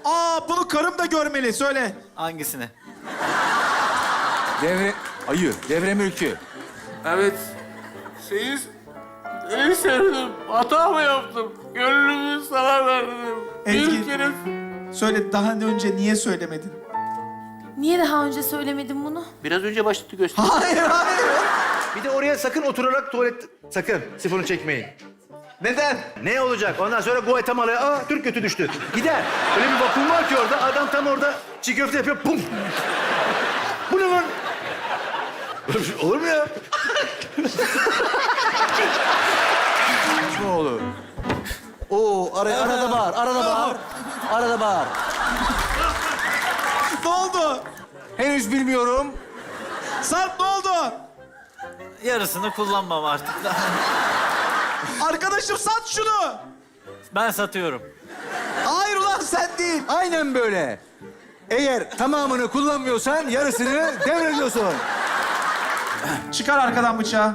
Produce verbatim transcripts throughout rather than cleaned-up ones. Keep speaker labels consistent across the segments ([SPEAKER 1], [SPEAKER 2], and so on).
[SPEAKER 1] Aa bunu karım da görmeli. Söyle.
[SPEAKER 2] Hangisini?
[SPEAKER 3] Devre... Ayı, devre mülkü.
[SPEAKER 4] Evet. Seni, seni sevdim. Hata mı yaptım? Gönlümü sana verdim.
[SPEAKER 1] Ezgi.
[SPEAKER 4] Bir kere...
[SPEAKER 1] Söyle daha önce niye söylemedin?
[SPEAKER 5] Niye daha önce söylemedin bunu?
[SPEAKER 4] Biraz önce başladı göster.
[SPEAKER 1] Hayır hayır.
[SPEAKER 6] Bir de oraya sakın oturarak tuvalet... Sakın sifonu çekmeyin.
[SPEAKER 1] Neden?
[SPEAKER 6] Ne olacak? Ondan sonra Guatemala'ya aa Türk götü düştü. Gider. Öyle bir vakum var ki orada. Adam tam orada çiğ köfte yapıyor. Pum. Bu ne lan? Böyle bir şey olur mu ya?
[SPEAKER 3] Ne olur? Oo, ara, arada bağır, arada bağır. Arada bağır.
[SPEAKER 1] Ne oldu?
[SPEAKER 3] Henüz bilmiyorum.
[SPEAKER 1] Sarp ne oldu?
[SPEAKER 2] Yarısını kullanmam artık.
[SPEAKER 1] Arkadaşım sat şunu.
[SPEAKER 2] Ben satıyorum.
[SPEAKER 1] Hayır ulan sen değil.
[SPEAKER 3] Aynen böyle. Eğer tamamını kullanmıyorsan yarısını devrediyorsun.
[SPEAKER 1] Çıkar arkadan bıçağı.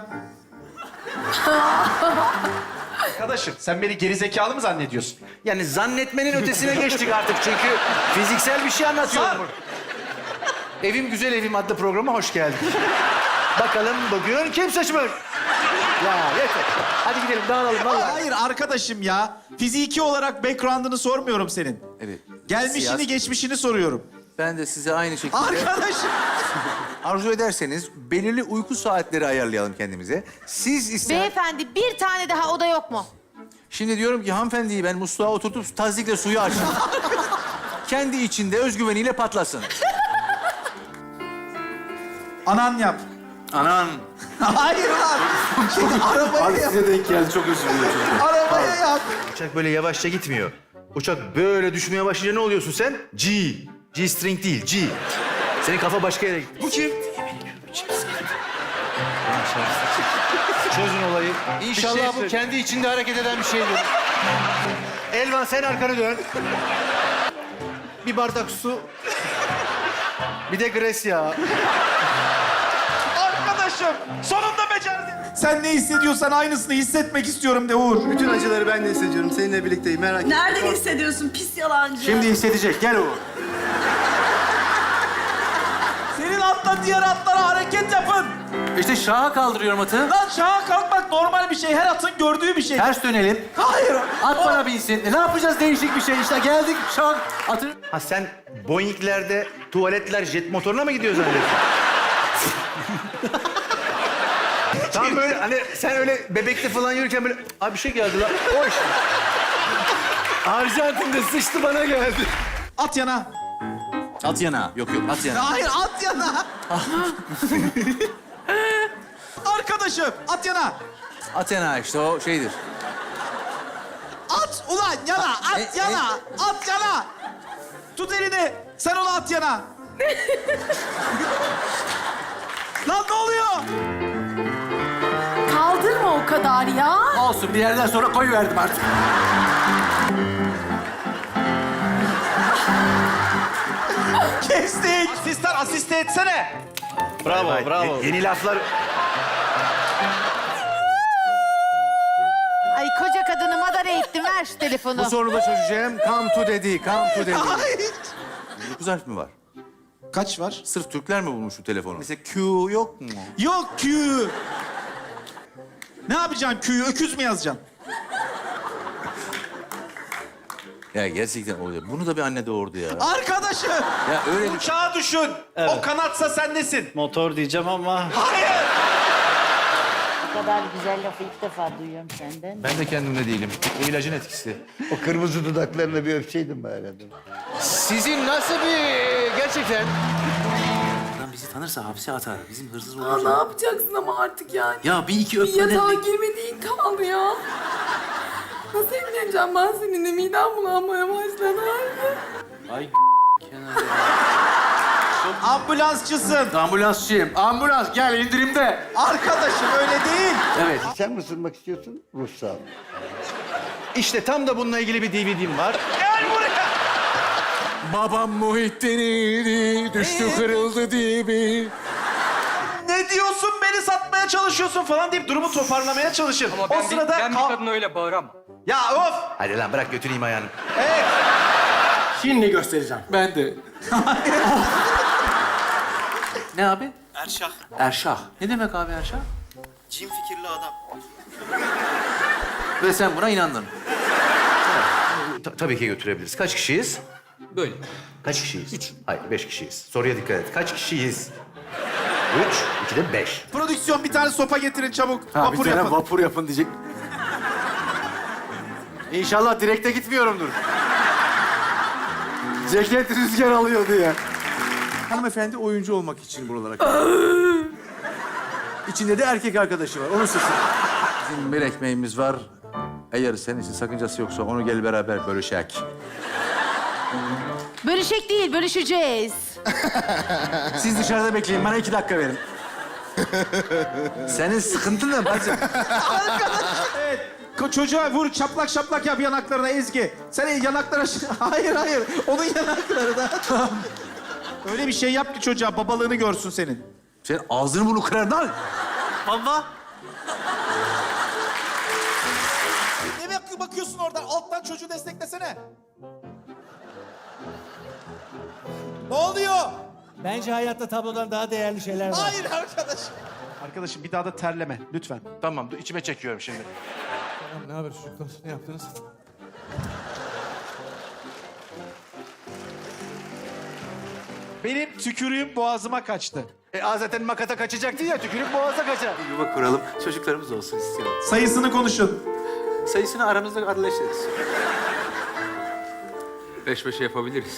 [SPEAKER 6] Arkadaşım sen beni gerizekalı mı zannediyorsun? Yani zannetmenin ötesine geçtik artık çünkü fiziksel bir şey anlatıyorum. burada. Evim Güzel Evim adlı programa hoş geldin. Bakalım bugün kim seçmiş? Ya yeter. Hadi gidelim dağılalım vallahi.
[SPEAKER 1] Hayır arkadaşım ya. Fiziki olarak background'ını sormuyorum senin.
[SPEAKER 3] Evet.
[SPEAKER 1] Gelmişini
[SPEAKER 3] Siyasi-
[SPEAKER 1] geçmişini soruyorum.
[SPEAKER 3] Ben de size aynı şekilde...
[SPEAKER 1] Arkadaşım.
[SPEAKER 3] Arzu ederseniz belirli uyku saatleri ayarlayalım kendimize. Siz ister...
[SPEAKER 5] Beyefendi bir tane daha oda yok mu?
[SPEAKER 3] Şimdi diyorum ki hanımefendiyi ben musluğa oturtup tazikle suyu açtım. Kendi içinde özgüveniyle patlasın.
[SPEAKER 1] Anan yap.
[SPEAKER 6] Anan.
[SPEAKER 1] Hayır lan. Şimdi arabaya yap.
[SPEAKER 6] Size denk geldi çok özür dilerim.
[SPEAKER 1] Arabaya yap.
[SPEAKER 6] Uçak böyle yavaşça gitmiyor. Uçak böyle düşmeye başlayınca ne oluyorsun sen? G. G-string değil, G. Senin kafa başka yere gitti. Bu kim? Çözün olayı. İnşallah
[SPEAKER 1] Bir şey
[SPEAKER 6] bu
[SPEAKER 1] söyle.
[SPEAKER 6] kendi içinde hareket eden bir şeydir. Elvan sen arkanı dön. Bir bardak su. Bir de gres yağı.
[SPEAKER 1] Arkadaşım sonunda becerdin. Sen ne hissediyorsan aynısını hissetmek istiyorum de Uğur.
[SPEAKER 7] Bütün acıları ben de hissediyorum. Seninle birlikteyim. Merak etme.
[SPEAKER 8] Nereden hissediyorsun pis yalancı?
[SPEAKER 6] Şimdi hissedecek. Gel Uğur.
[SPEAKER 1] Senin atla diğer atlara hareket yapın.
[SPEAKER 3] İşte şaha kaldırıyorum atı.
[SPEAKER 1] Lan şaha kalkmak normal bir şey. Her atın gördüğü bir şey.
[SPEAKER 3] Ters dönelim.
[SPEAKER 1] Hayır.
[SPEAKER 3] At bana binsin. E, ne yapacağız değişik bir şey işte. Geldik şak atı.
[SPEAKER 6] Ha sen Boeing'lerde tuvaletler jet motoruna mı gidiyor zannediyorsun? Tam böyle hani sen öyle bebekte falan yürürken böyle abi bir şey geldi lan. Hoş. Arjantin'de sıçtı bana geldi.
[SPEAKER 1] At yana.
[SPEAKER 3] At yana. Yok yok at yana.
[SPEAKER 1] Hayır at yana. Arkadaşım at yana.
[SPEAKER 3] At yana işte o şeydir.
[SPEAKER 1] At ulan yana. At
[SPEAKER 3] E,
[SPEAKER 1] yana. At yana. Tut elini. Sen onu at yana. Lan ne oluyor?
[SPEAKER 5] Kaldırma o kadar ya.
[SPEAKER 3] Olsun bir yerden sonra koyuverdim artık.
[SPEAKER 1] Kestik.
[SPEAKER 6] Asistan asiste etsene. Bravo
[SPEAKER 2] Vay vay,
[SPEAKER 6] bravo. Ye- yeni laflar.
[SPEAKER 5] Ay koca kadını madara ettim. Ver şu telefonu.
[SPEAKER 3] Bu sorunu da çözeceğim. Come to dedi, come to dedi.
[SPEAKER 1] Hayır.
[SPEAKER 3] Dokuz harf mi var?
[SPEAKER 1] Kaç var?
[SPEAKER 3] Sırf Türkler mi bulmuş bu telefonu? Mesela Q yok mu?
[SPEAKER 1] Yok Q. Ne yapacaksın Q'yu? Öküz mü yazacaksın?
[SPEAKER 3] Ya gerçekten oluyor. Bunu da bir anne doğurdu ya.
[SPEAKER 1] Arkadaşım.
[SPEAKER 3] Ya öyle bir...
[SPEAKER 1] Uçağı düşün. O kanatsa sen nesin?
[SPEAKER 2] Motor diyeceğim ama...
[SPEAKER 1] Hayır.
[SPEAKER 8] Bu kadar güzel lafı ilk defa duyuyorum senden.
[SPEAKER 6] Ben de kendimde değilim. O ilacın etkisi.
[SPEAKER 7] O kırmızı dudaklarına bir öpseydin bari adam.
[SPEAKER 6] Sizin nasıl bir gerçekten?
[SPEAKER 4] Adam bizi tanırsa hapse atar. Bizim hırsız
[SPEAKER 9] Aa,
[SPEAKER 4] oluruz.
[SPEAKER 9] ne yapacaksın ama artık yani?
[SPEAKER 4] Ya bir iki
[SPEAKER 9] Bir
[SPEAKER 4] öpmeden...
[SPEAKER 9] yatağa girmediğin kaldı ya. Nasıl evleneceğim ben seninle? Midem bulanmaya başladı artık.
[SPEAKER 4] Ay kenara.
[SPEAKER 1] Ambulansçısın.
[SPEAKER 3] Ambulansçıyım. Ambulans gel indirimde.
[SPEAKER 1] Arkadaşım öyle değil.
[SPEAKER 3] Evet.
[SPEAKER 7] Sen mi ısırmak istiyorsun? Ruhsal.
[SPEAKER 6] İşte tam da bununla ilgili bir D V D'm var.
[SPEAKER 1] Gel buraya.
[SPEAKER 3] Babam Muhittin'iydi, düştü kırıldı dibi.
[SPEAKER 1] Ne diyorsun? Beni satmaya çalışıyorsun falan deyip durumu toparlamaya çalışır.
[SPEAKER 10] Ama
[SPEAKER 1] o
[SPEAKER 10] ben,
[SPEAKER 1] sırada
[SPEAKER 10] bir, ben bir
[SPEAKER 1] kal-
[SPEAKER 10] kadına öyle bağıramam.
[SPEAKER 1] Ya of.
[SPEAKER 6] Hadi lan bırak götüreyim ayağını.
[SPEAKER 1] Evet.
[SPEAKER 4] Şimdi göstereceğim.
[SPEAKER 3] Ben de.
[SPEAKER 6] Ne abi?
[SPEAKER 2] Erşah.
[SPEAKER 6] Erşah. Ne demek abi Erşah?
[SPEAKER 2] Cin fikirli adam.
[SPEAKER 6] Ve sen buna inandın. Ta- tabii ki götürebiliriz. Kaç kişiyiz?
[SPEAKER 3] Böyle.
[SPEAKER 6] Kaç kişiyiz? Üç. Hayır, beş kişiyiz. Soruya dikkat et. Kaç kişiyiz? Üç, iki de beş.
[SPEAKER 1] Prodüksiyon bir tane sopa getirin çabuk.
[SPEAKER 6] Ha,
[SPEAKER 1] Vapur
[SPEAKER 6] bir tane
[SPEAKER 1] yapın.
[SPEAKER 6] vapur yapın diyecek. İnşallah direkte gitmiyorumdur. Ceket rüzgar alıyor diye.
[SPEAKER 3] Hanımefendi oyuncu olmak için buralara geldi. İçinde de erkek arkadaşı var. Onun sesi. Bizim bir ekmeğimiz var. Eğer senin için sakıncası yoksa onu gel beraber bölüşek.
[SPEAKER 5] Bölüşek değil, bölüşeceğiz.
[SPEAKER 3] Siz dışarıda bekleyin. Bana iki dakika verin. Senin sıkıntın ne bacım?
[SPEAKER 1] Evet. Ko- Çocuğa vur, şaplak şaplak yap yanaklarına Ezgi. Sen yanaklara... Hayır, hayır. Onun yanaklarına. Öyle bir şey yap ki çocuğa babalığını görsün senin.
[SPEAKER 3] Sen ağzını bunu kırar lan.
[SPEAKER 2] Baba.
[SPEAKER 1] Ne bak- bakıyorsun oradan? Alttan çocuğu desteklesene. Ne oluyor?
[SPEAKER 10] Bence hayatta tablodan daha değerli şeyler var.
[SPEAKER 1] Hayır arkadaşım. Arkadaşım bir daha da terleme lütfen.
[SPEAKER 6] Tamam, dur, içime çekiyorum şimdi.
[SPEAKER 10] Tamam, ne haber çocuklar? Ne yaptınız?
[SPEAKER 1] Benim tükürüğüm boğazıma kaçtı.
[SPEAKER 6] E, aa, zaten makata kaçacaktı ya, tükürük boğaza kaçar. Yuva kuralım, çocuklarımız olsun istiyorum.
[SPEAKER 1] Sayısını konuşun.
[SPEAKER 6] Sayısını aramızda adleşiriz.
[SPEAKER 4] Beş beşe yapabiliriz.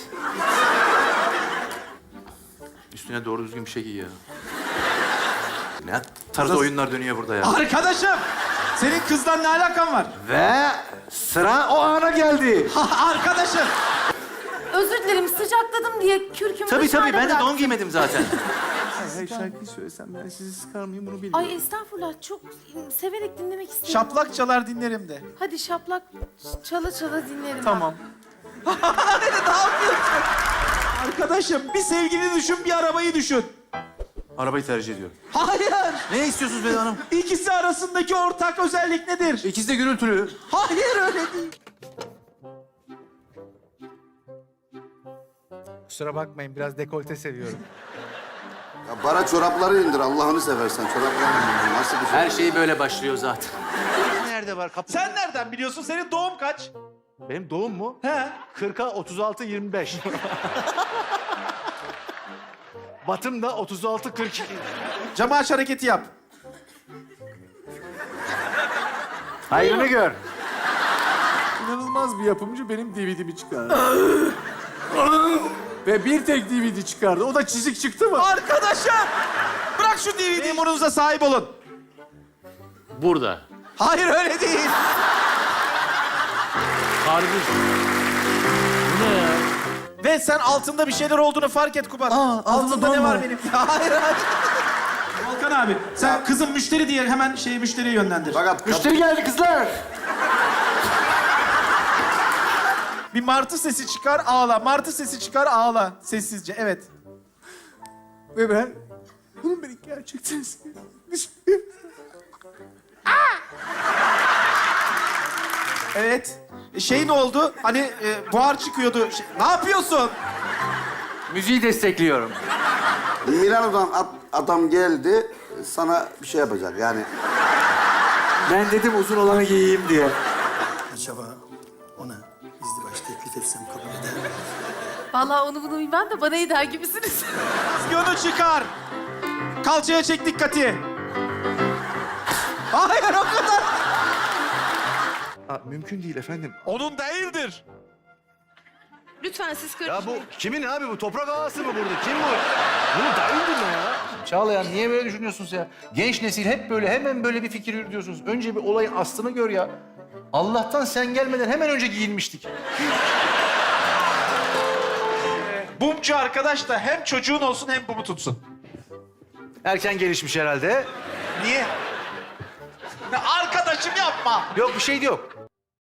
[SPEAKER 6] Üstüne doğru düzgün bir şey giy ya. Ne tarz oyunlar dönüyor burada ya.
[SPEAKER 1] Arkadaşım! Senin kızdan ne alakan var?
[SPEAKER 6] Ve sıra o ana geldi.
[SPEAKER 1] Ha, arkadaşım!
[SPEAKER 5] Özür dilerim, sıcakladım diye kürkümü
[SPEAKER 6] Tabii
[SPEAKER 5] dışarıda
[SPEAKER 6] tabii, ben de
[SPEAKER 5] bıraktım.
[SPEAKER 6] don giymedim zaten.
[SPEAKER 3] Hayır şarkıyı söylesem ben sizi sıkar mıyım bunu bilmiyorum.
[SPEAKER 5] Ay estağfurullah, çok severek dinlemek istedim.
[SPEAKER 1] Şaplak çalar dinlerim de.
[SPEAKER 5] Hadi şaplak çala çala dinlerim.
[SPEAKER 3] Tamam.
[SPEAKER 1] ne yapıyorsun? Arkadaşım bir sevgili düşün, bir arabayı düşün.
[SPEAKER 3] Arabayı tercih ediyorum.
[SPEAKER 1] Hayır!
[SPEAKER 3] Ne istiyorsunuz Beyza Hanım?
[SPEAKER 1] İkisi arasındaki ortak özellik nedir?
[SPEAKER 3] İkisi de gürültülü.
[SPEAKER 1] Hayır öyle değil.
[SPEAKER 10] Kusura bakmayın, biraz dekolte seviyorum.
[SPEAKER 7] Ya bara çorapları indir Allah'ını seversen. Çorapları indir. Nasıl bir şey?
[SPEAKER 6] Her şey böyle başlıyor zaten.
[SPEAKER 3] Nerede var kapı?
[SPEAKER 1] Sen nereden biliyorsun? Senin doğum kaç?
[SPEAKER 3] Benim doğum mu?
[SPEAKER 1] He?
[SPEAKER 3] kırka otuz altı yirmi beş. Batım da otuz altı kırk iki.
[SPEAKER 1] Camı aç hareketi yap.
[SPEAKER 6] Hayrını gör.
[SPEAKER 3] İnanılmaz bir yapımcı benim D V D'mi çıkardı. Ve bir tek D V D çıkardı. O da çizik çıktı mı?
[SPEAKER 1] Arkadaşım! Bırak şu D V D'yi. Memurunuza sahip olun.
[SPEAKER 4] Burada.
[SPEAKER 1] Hayır öyle değil.
[SPEAKER 4] Harbi. Bu ne ya?
[SPEAKER 1] Ve sen altında bir şeyler olduğunu fark et Kubat.
[SPEAKER 3] Aa, altında
[SPEAKER 1] ne
[SPEAKER 3] don
[SPEAKER 1] var
[SPEAKER 3] var.
[SPEAKER 1] benim? hayır hayır. Volkan abi sen kızım müşteri diye hemen şeyi müşteriye yönlendir.
[SPEAKER 7] Fakat
[SPEAKER 6] Müşteri geldi kızlar.
[SPEAKER 1] Bir martı sesi çıkar ağla. Martı sesi çıkar ağla. Sessizce evet.
[SPEAKER 3] Ve ben bunun beni gerçekten sevdiğini
[SPEAKER 1] Evet. E, Şey ne oldu? Hani e, buhar çıkıyordu. Şey- ne yapıyorsun?
[SPEAKER 6] Müziği destekliyorum.
[SPEAKER 7] Milano'dan at- adam geldi sana bir şey yapacak yani.
[SPEAKER 6] Ben dedim uzun olanı giyeyim diye.
[SPEAKER 10] Acaba ona izdivaç teklif etsem kabul eder mi?
[SPEAKER 5] Vallahi onu bunu bilmem de bana eder gibisiniz.
[SPEAKER 1] Yonu çıkar. Kalçaya çek dikkati. Hayır o kadar.
[SPEAKER 3] Aa, mümkün değil efendim.
[SPEAKER 1] Onun değildir.
[SPEAKER 5] Lütfen siz
[SPEAKER 3] Ya
[SPEAKER 5] karışmayın.
[SPEAKER 3] bu kimin abi bu? Toprak ağası mı burada? Kim bu? Bunu dayıldın mı ya?
[SPEAKER 6] Çağlayan niye böyle düşünüyorsunuz ya? Genç nesil hep böyle hemen böyle bir fikir yürütüyorsunuz. Önce bir olayın aslını gör ya. Allah'tan sen gelmeden hemen önce giyinmiştik.
[SPEAKER 1] Bumcu arkadaş da hem çocuğun olsun hem bumu tutsun.
[SPEAKER 6] Erken gelişmiş herhalde.
[SPEAKER 1] Niye? Ya arkadaşım yapma.
[SPEAKER 6] Yok bir şey de yok.